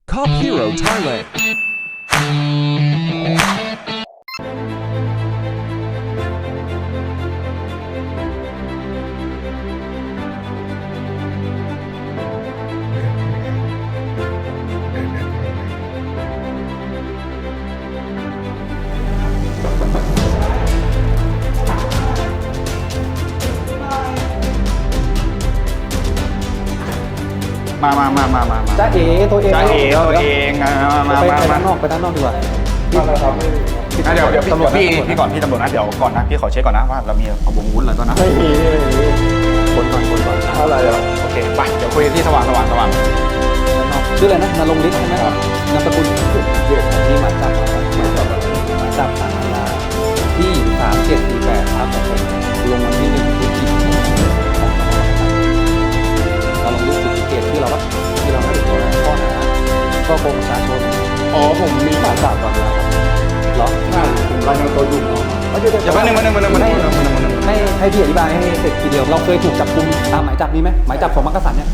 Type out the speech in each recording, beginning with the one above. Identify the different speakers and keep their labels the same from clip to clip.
Speaker 1: Cop Hero Thailand
Speaker 2: มา
Speaker 3: จ้าเอ๋ตัวเอง
Speaker 2: จ้าเอ๋ตัวเองมา
Speaker 3: ไปด้านนอกดีกว่า
Speaker 2: เดี๋ยวตำรวจพี่ก่อนพี่ตำรวจนะเดี๋ยวก่อนนะพี่ขอเช็คก่อนนะว่าเรามีอาวุธอะไรตอนนั้น
Speaker 3: ไม่มี
Speaker 2: คนก่อน
Speaker 3: เท่าไหร่แล้ว
Speaker 2: โอเคไปเดี๋ยวคุยที่สว่าง
Speaker 3: ชื่ออะไรนะนรงค์ฤทธิ์ใช่ไหมนามสกุลนี่หมายจับหมายจับสารอาญาที่3748ครับผมลงวันที่1พฤศจิกายนเราลงยุคสุดเกตที่เราให้ตัวข้อหาก็โกงประชาชนผมมีหมายจับก่อนแล้วเหรอใช่ผมรายงานตัวอยู่
Speaker 2: อย่าแป๊บนึง
Speaker 3: ให้พี่อธิบายให้เสร็จทีเดียวเราเคยถูกจับกุมตามหมายจับนี้ไหมหมายจับของมักกะสันเนี่ย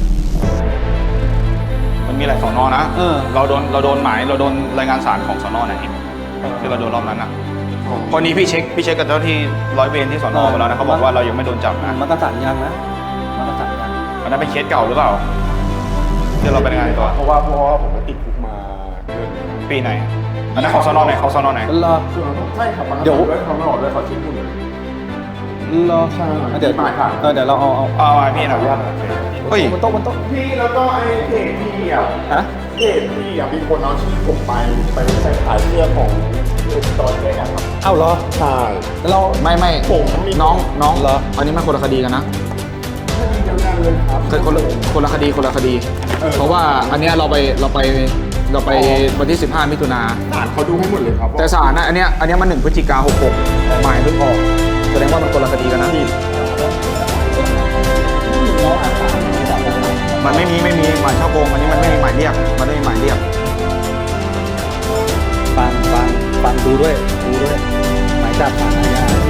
Speaker 2: มันมีหลายสอนอนะเราโดนหมายเราโดนรายงานศาลของสอนอไหนที่เราโดนรอบนั้นนะพอนี้พี่เช็คกับเจ้าที่ร้อยเวรที่สอนอไปแล้วนะเขาบอกว่าเรายังไม่โดนจับนะ
Speaker 3: มักกะสันยังนะมักกะสันยัง
Speaker 2: มันนั้นเป็นเคสเก่าหรือเปล่าที่เราไปรายงานตัว
Speaker 4: เพราะว่าผมไปติดคุกมาเดือน
Speaker 2: ปีไหนอันนั้นเขาสอนอไหน
Speaker 3: รอ
Speaker 4: ใช่ครับเดี๋ยวเขาไม่ออกด้วยเขาชี้คุณเลย
Speaker 3: รอเดี๋ยวเรา
Speaker 2: เอาพี่หน่อยเฮ้ย
Speaker 3: บนโต๊ะ
Speaker 4: พี่แล้วก็ไอ้เพจพี่เพจพี่มีคนเอาชื่อผมไปใส่ขายเสื้อของตอนแรกครับ
Speaker 3: เอ้าเหรอ
Speaker 4: ใช่
Speaker 3: เรา
Speaker 2: ไม่
Speaker 4: ผม
Speaker 2: น้องเหรออันนี้มันคนละคดีกันนะ
Speaker 4: คดีเดียวกันเลยครับ
Speaker 2: คนละคดีเพราะว่าอันนี้เราไปวันที่15มิถุนา
Speaker 4: ศาลเขาดูให้หมดเลยครับ
Speaker 2: แต่ศาลนะอันเนี้ยมัน1พฤศจิกายน66หมายเพิ่งออกแสดงว่ามันคนละคดีกันนะมันไม่มีหมายช่อโกงอันนี้มันไม่มีหมายเรียก
Speaker 3: ฟังดูด้วยหมายจับสารอาญาที่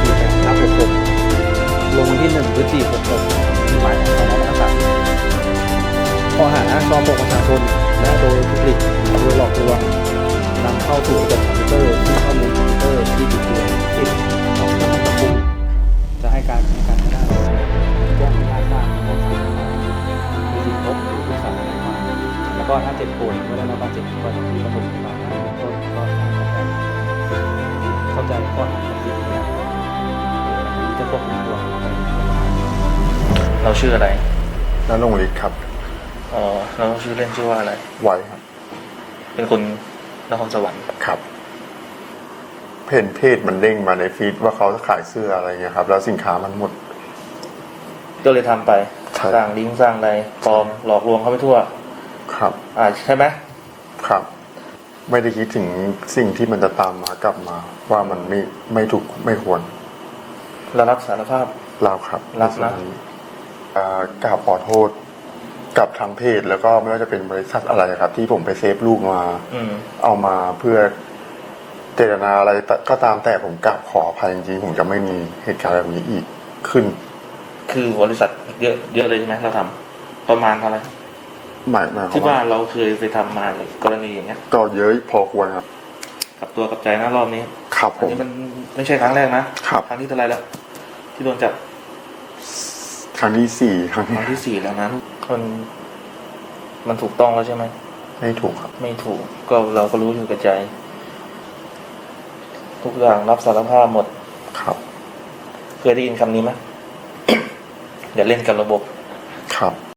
Speaker 3: 3748/66ลงวันที่1พฤศจิกายน66มีหมายของสน.มักกะสันข้อหาช่อโกงประชาชนและโดยทุจริตหรือโดยหลอกลวงนำเข้าสู่ระบบคอมพิวเตอร์ซึ่งข้อมูลคอมพิวเตอร์ที่บิดเบือนสิทธิของผู้ถูกจับกุมจะให้การไม่ได้แจ้งพยานได้ของศาลมีสิทธิพบหรือปรึกษาทนายความแล้วก็ถ้าเจ็บป่วยไม่ได้รับบาดเจ็บก็จะมีประถมพยาบาลได้เบื้องต้นก็เข้าใจข้อหาของสิทธิเนี่ยจะควบคุมตัว
Speaker 5: เราชื่ออะไร
Speaker 4: ณรงค์ฤทธิ์ครับ
Speaker 5: อ๋อเราชื่อเล่นชื่อว่าอะไร
Speaker 4: ไวครับ
Speaker 5: เป็นคนนครสวรรค์
Speaker 4: ครับเพจมันเด้งมาในฟีดว่าเขาขายเสื้ออะไรเงี้ยครับแล้วสินค้ามันหมด
Speaker 5: ก็เลยทำไปสร้างลิงก์สร้างอะไรปลอมหลอกลวงเขาไปทั่ว
Speaker 4: ครับ
Speaker 5: ใช่ไหม
Speaker 4: ครับไม่ได้คิดถึงสิ่งที่มันจะตามมากลับมาว่ามันไม่ถูกไม่ควร
Speaker 5: เรารับสารภาพ
Speaker 4: เราครับ
Speaker 5: รับนะ
Speaker 4: กราบขอโทษกับทางเพจแล้วก็ไม่ว่าจะเป็นบริษัทอะไรครับที่ผมไปเซฟรูปมาเอามาเพื่อเจตนาอะไรก็ตามแต่ผมกราบขออภัยจริงๆผมจะไม่มีเหตุการณ์แบบนี้อีกขึ้น
Speaker 5: คือบริษัทเยอะเลยใช่ไหมเราทำประมาณเท่าไหร่
Speaker 4: หมาย
Speaker 5: ที่ว่าเราเคยไปทำมากรณีอย่างเงี้ย
Speaker 4: ก็เยอะพอควรครับ
Speaker 5: กับตัวกับใจนะรอบนี้
Speaker 4: ครับผม
Speaker 5: อันนี้มันไม่ใช่ครั้งแรกนะครับครั้งที่เท่าไรแล้วที่โดนจับ
Speaker 4: ครั้งที่4ครั้ง
Speaker 5: ที่4แล้วนะมันถูกต้องแล้วใช่ไหม
Speaker 4: ไม่ถูกครับ
Speaker 5: ไม่ถูกก็เราก็รู้อยู่กับใจทุกอย่างรับสารภาพหมด
Speaker 4: ครับ
Speaker 5: เคยได้ยินคำนี้ไหม อย่าเล่นกับระบบ
Speaker 4: ครับ